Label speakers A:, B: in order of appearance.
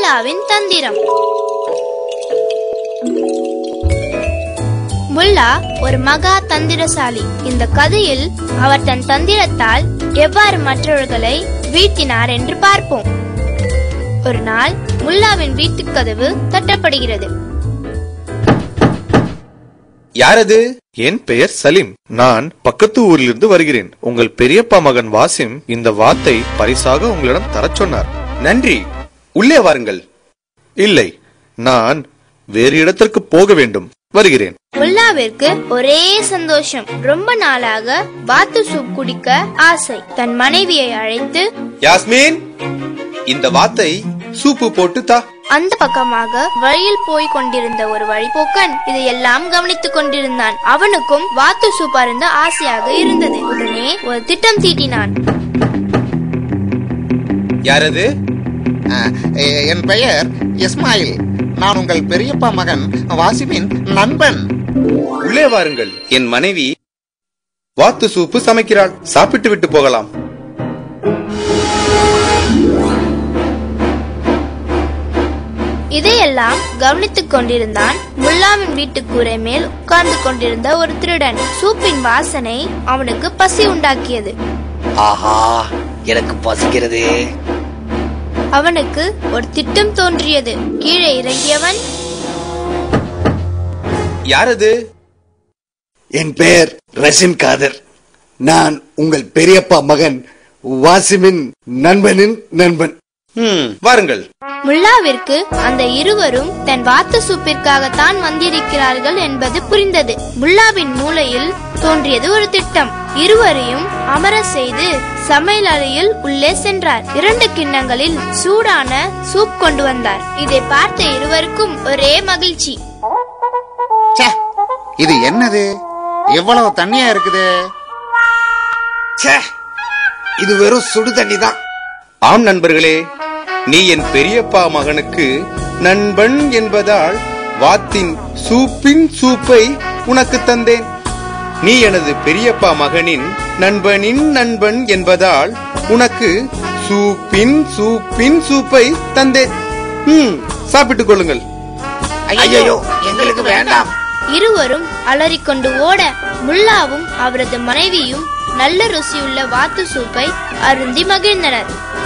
A: முல்லாவின் தந்திரம். முல்லா ஒரு மகா தந்திரசாலி. இந்த கதையில் அவர் தன் தந்திரத்தால் எவ்வாறு மற்றவர்களை வீழ்த்தினார் என்று பார்ப்போம். ஒரு நாள் முல்லாவின் வீட்டு கதவு தட்டப்படுகிறது.
B: யாரது? என் பெயர் சலீம். நான் பக்கத்து ஊரிலிருந்து வருகிறேன். உங்கள் பெரியப்பா மகன் வாசிம் இந்த வாத்தை பரிசாக உங்களிடம் தரச் சொன்னார். நன்றி, உள்ளே வாருங்கள். இல்லை, நான் வேறு இடத்திற்கு போக வேண்டும், வருகிறேன்.
A: முல்லாவிற்கு ஒரே சந்தோஷம். ரொம்ப நாளாக வாத்து சூப் குடிக்க ஆசை. தன் மனைவியை அழைத்து,
B: யாஸ்மின், இந்த வாத்தை சூப்பு போட்டு தா.
A: அந்த பக்கமாக வழியில் போய் கொண்டிருந்த ஒரு வழிபோக்கன் இதையெல்லாம் கவனித்துக் கொண்டிருந்தான். அவனுக்கும் வாத்து சூப் அருந்த ஆசையாக இருந்தது. உடனே ஒரு திட்டம் தீட்டினான்.
B: யாரது?
C: என் பெயர் இஸ்மாயில். நான் உங்கள் பெரியப்பா மகன் வாசிமின் நண்பன்.
B: உள்ளே வாருங்கள். என் மனைவி வாத்து சூப்பு சமைக்கிறாள். சாப்பிட்டு விட்டு போகலாம்.
A: இதையெல்லாம் கவனித்துக் கொண்டிருந்தான் முல்லாவின் வீட்டு கூரை மேல் உட்கார்ந்து கொண்டிருந்த ஒரு திருடன். சூப்பின் வாசனை அவனுக்கு பசி உண்டாக்கியது.
D: ஆஹா, எனக்கு பசிக்கிறது.
A: அவனுக்கு ஒரு திட்டம் தோன்றியது. கீழே இறங்கியவன்,
B: யாரது?
E: என் பெயர் ரஷின் காதர். நான் உங்கள் பெரியப்பா மகன் வாசிமின் நண்பனின் நண்பன்.
B: வாருங்கள்.
A: முல்லாவிற்கு அந்த இருவரும் தன் வாத்து சூப்பிற்காகத்தான் வந்திருக்கிறார்கள் என்பது புரிந்தது. முல்லாவின் மூளையில் தோன்றியது ஒரு திட்டம். இருவரையும் அமர செய்து சமையல் அறையில் உள்ளே சென்றார். 2 கிண்ணங்களில் சூடான சூப் கொண்டு வந்தார். இதை பார்த்த இருவருக்கும் ஒரே மகிழ்ச்சி.
C: இது என்னது? எவ்வளவு தண்ணியா இருக்குது?
E: இது வெறும் சுடு தண்ணி தான்.
B: ஆம் நண்பர்களே, நீ என் பெரியப்பா மகனுக்கு நண்பன் என்பதால் வாத்தின் சூப்பின் சூப்பை உனக்கு தந்தேன். நீ எனது பெரியப்பா மகனின் நண்பனின் நண்பன் என்பதால் உனக்கு சூப்பின் சூப்பின் சூப்பை தந்தேன். சாப்பிட்டுக் கொள்ளுங்கள்.
C: ஐயோ, எங்களுக்கு வேண்டாம்.
A: இருவரும் அலறிக்கொண்டு ஓட முல்லாவும் அவரது மனைவியும் நல்ல ருசியுள்ள வாத்து சூப்பை அருந்தி மகிழ்ந்தனர்.